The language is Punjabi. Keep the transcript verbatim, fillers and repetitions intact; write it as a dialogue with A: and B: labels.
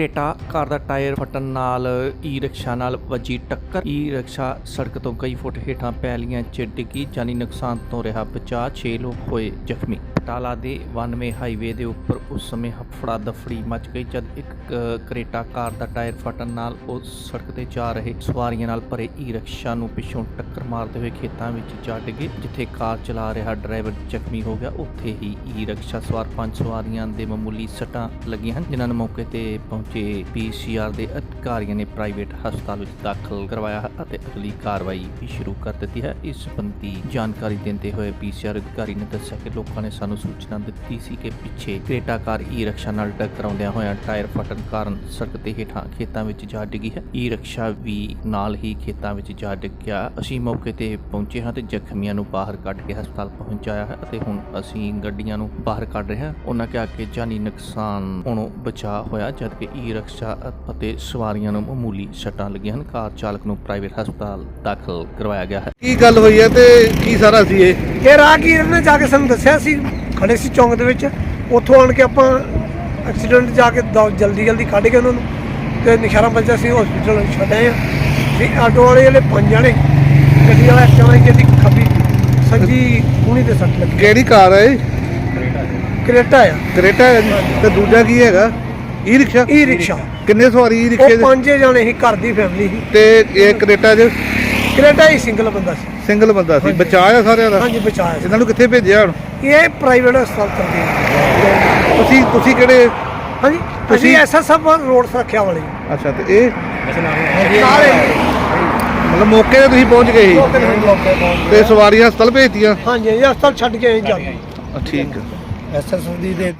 A: ਕਰੇਟਾ ਕਾਰ ਦਾ ਟਾਇਰ ਫਟਣ ਨਾਲ ਈ ਰਿਕਸ਼ਾ ਨਾਲ ਵੱਜੀ ਟੱਕਰ। ਈ ਰਿਕਸ਼ਾ ਸੜਕ ਤੋਂ ਕਈ ਫੁੱਟ ਹੇਠਾਂ ਪੈਲੀਆਂ 'ਚ ਡਿੱਗੀ। ਜਾਨੀ ਨੁਕਸਾਨ ਤੋਂ ਰਿਹਾ ਬਚਾਅ, ਛੇ ਲੋਕ ਹੋਏ ਜ਼ਖਮੀ। ਬਟਾਲਾ ਦੇ ਵਨਵੇ ਹਾਈਵੇ ਦੇ ਉੱਪਰ ਉਸ ਸਮੇਂ ਹਫੜਾ ਦਫੜੀ ਮਚ ਗਈ ਜਦ ਇੱਕ ਕਰੇਟਾ ਕਾਰ ਦਾ ਟਾਇਰ ਫਟਣ ਨਾਲ ਉਸ ਸੜਕ ਤੇ ਜਾ ਰਹੇ ਸਵਾਰੀਆਂ ਨਾਲ ਭਰੇ ਈ ਰਿਕਸ਼ਾ ਨੂੰ ਪਿੱਛੋਂ ਟੱਕਰ ਮਾਰਦੇ ਹੋਏ ਖੇਤਾਂ ਵਿੱਚ ਜਾ ਡਿੱਗੇ। ਜਿੱਥੇ ਕਾਰ ਚਲਾ ਰਿਹਾ ਡਰਾਈਵਰ ਜ਼ਖਮੀ ਹੋ ਗਿਆ, ਉੱਥੇ ਹੀ ਈ ਰਿਕਸ਼ਾ ਸਵਾਰ ਪੰਜ ਸਵਾਰੀਆਂ ਦੇ ਮਾਮੂਲੀ ਸੱਟਾਂ ਲੱਗੀਆਂ ਹਨ, ਜਿਨ੍ਹਾਂ ਨੂੰ ਮੌਕੇ ਤੇ ਪਹੁੰਚੇ ਪੀ ਸੀ ਆਰ ਦੇ ਅਧਿਕਾਰੀਆਂ ਨੇ ਪ੍ਰਾਈਵੇਟ ਹਸਪਤਾਲ ਵਿੱਚ ਦਾਖਲ ਕਰਵਾਇਆ ਹੈ ਅਤੇ ਅਗਲੀ ਕਾਰਵਾਈ ਵੀ ਸ਼ੁਰੂ ਕਰ ਦਿੱਤੀ ਹੈ। ਇਸ ਸੰਬੰਧੀ ਜਾਣਕਾਰੀ ਦਿੰਦੇ ਹੋਏ ਪੀ ਸੀ ਆਰ ਅਧਿਕਾਰੀ ਨੇ ਦੱਸਿਆ ਕਿ ਲੋਕਾਂ ਨੇ ਸਾਨੂੰ ਸੂਚਨਾ ਦਿੱਤੀ ਸੀ ਕਿ ਪਿੱਛੇ ਕਰੇਟਾ ਕਾਰ ਈ ਰਿਕਸ਼ਾ ਨਾਲ ਟਕਰਾਉਂਦਿਆਂ ਹੋਇਆਂ ਟਾਇਰ ਫਟਣ ਕਾਰਨ ਸੜਕ ਦੇ ਹੇਠਾਂ ਖੇਤਾਂ ਵਿੱਚ ਜਾ ਡਿੱਗੀ ਹੈ। ਈ ਰਿਕਸ਼ਾ ਵੀ ਨਾਲ ਹੀ ਖੇਤਾਂ ਵਿੱਚ ਜਾ ਡਿੱਗਿਆ। ਅਸੀਂ ਮੌਕੇ ਤੇ ਪਹੁੰਚੇ ਹਾਂ ਤੇ ਜ਼ਖਮੀਆਂ ਨੂੰ ਬਾਹਰ ਕੱਢ ਕੇ ਹਸਪਤਾਲ ਪਹੁੰਚਾਇਆ ਹੈ ਅਤੇ ਹੁਣ ਅਸੀਂ ਗੱਡੀਆਂ ਨੂੰ ਬਾਹਰ ਕੱਢ ਰਹੇ ਹਾਂ। ਉਹਨਾਂ ਕਿਹਾ ਕਿ ਜਾਨੀ ਨੁਕਸਾਨ ਹੋਣੋਂ ਬਚਾਅ ਹੋਇਆ ਜਦਕਿ ਈ ਰਿਕਸ਼ਾ ਅਤੇ ਸਵਾਰੀਆਂ ਨੂੰ ਮਾਮੂਲੀ ਸੱਟਾਂ ਲੱਗੀਆਂ ਹਨ। ਕਾਰ ਚਾਲਕ ਨੂੰ ਪ੍ਰਾਈਵੇਟ ਹਸਪਤਾਲ ਦਾਖਲ ਕਰਵਾਇਆ ਗਿਆ ਹੈ।
B: ਕੀ ਗੱਲ ਹੋਈ ਹੈ ਤੇ ਕੀ ਸਾਰਾ ਸੀ ਇਹ
C: ਇਹ ਰਾਹਗੀਰ ਨੇ ਜਾ ਕੇ ਸਾਨੂੰ ਦੱਸਿਆ ਸੀ, ਖੜੇ ਸੀ ਚੌਂਕ ਦੇ ਵਿੱਚ। ਉੱਥੋਂ ਆਣ ਕੇ ਆਪਾਂ ਐਕਸੀਡੈਂਟ ਜਾ ਕੇ ਜਲਦੀ ਜਲਦੀ ਕੱਢ ਕੇ ਉਹਨਾਂ ਨੂੰ ਤੇ ਨਿਸ਼ਾਰਾ ਬੱਚਾ ਸੀ ਹਸਪੀਟਲ ਛੱਡਿਆ ਆ। ਤੇ ਆਟੋ ਵਾਲੇ ਜਿਹੜੇ ਪੰਜ ਜਣੇ, ਗੱਡੀ ਵਾਲਾ ਇੱਕ ਜਣਾ ਜਿਹਦੀ ਖੱਬੀ ਸੱਜੀ ਕੂਹਣੀ ਤੇ ਸੱਟ ਲੱਗੀ।
B: ਕਿਹੜੀ ਕਾਰ ਹੈ ਇਹ?
C: ਕਰੇਟਾ ਆ।
B: ਕਰੇਟਾ ਹੈ ਜੀ। ਤੇ ਦੂਜਾ ਕੀ ਹੈਗਾ? E rickshaw.
C: E rickshaw.
B: ਕਿੰਨੇ ਸਵਾਰੀ ਈ ਰਿਕਸ਼ੇ
C: ਉਹ
B: ਦੇ?
C: ਪੰਜੇ ਜਣੇ ਸੀ, ਘਰ ਦੀ ਫੈਮਿਲੀ ਸੀ।
B: ਤੇ ਇਹ ਕਰੇਟਾ ਚ
C: ਕਰੇਟਾ ਹੀ ਸਿੰਗਲ ਬੰਦਾ ਸੀ।
B: ਸਿੰਗਲ ਬੰਦਾ ਸੀ।
C: ਹਾਂਜੀ।
B: ਬਚਾਅ ਆ ਸਾਰਿਆਂ ਦਾ?
C: ਹਾਂਜੀ ਬਚਾਇਆ।
B: ਇਹਨਾਂ ਨੂੰ ਕਿੱਥੇ ਭੇਜਿਆ ਹੁਣ?
C: ਇਹ ਪ੍ਰਾਈਵੇਟ ਹਸਪਤਾਲ ਕਰਦੇ।
B: ਤੁਸੀਂ ਤੁਸੀਂ ਕਿਹੜੇ?
C: ਹਾਂਜੀ ਅਸੀਂ ਐਸ ਐਸ ਐਫ ਰੋਡ ਸੁਰੱਖਿਆ ਵਾਲੇ।
B: ਅੱਛਾ, ਤੇ ਇਹ
C: ਸਾਰੇ
B: ਮਤਲਬ ਮੌਕੇ ਤੇ ਤੁਸੀਂ ਪਹੁੰਚ ਗਏ ਸੀ
C: ਮੌਕੇ ਤੇ ਮੌਕੇ ਪਹੁੰਚ
B: ਤੇ ਸਵਾਰੀਆਂ ਹਸਪਤਾਲ ਭੇਜਤੀਆਂ?
C: ਹਾਂਜੀ ਜੀ ਹਸਪਤਾਲ ਛੱਡ ਕੇ ਆਏ ਜਾ ਕੇ।
B: ਠੀਕ ਹੈ।
C: ਐਸ ਐਸ ਦੀ ਦੇ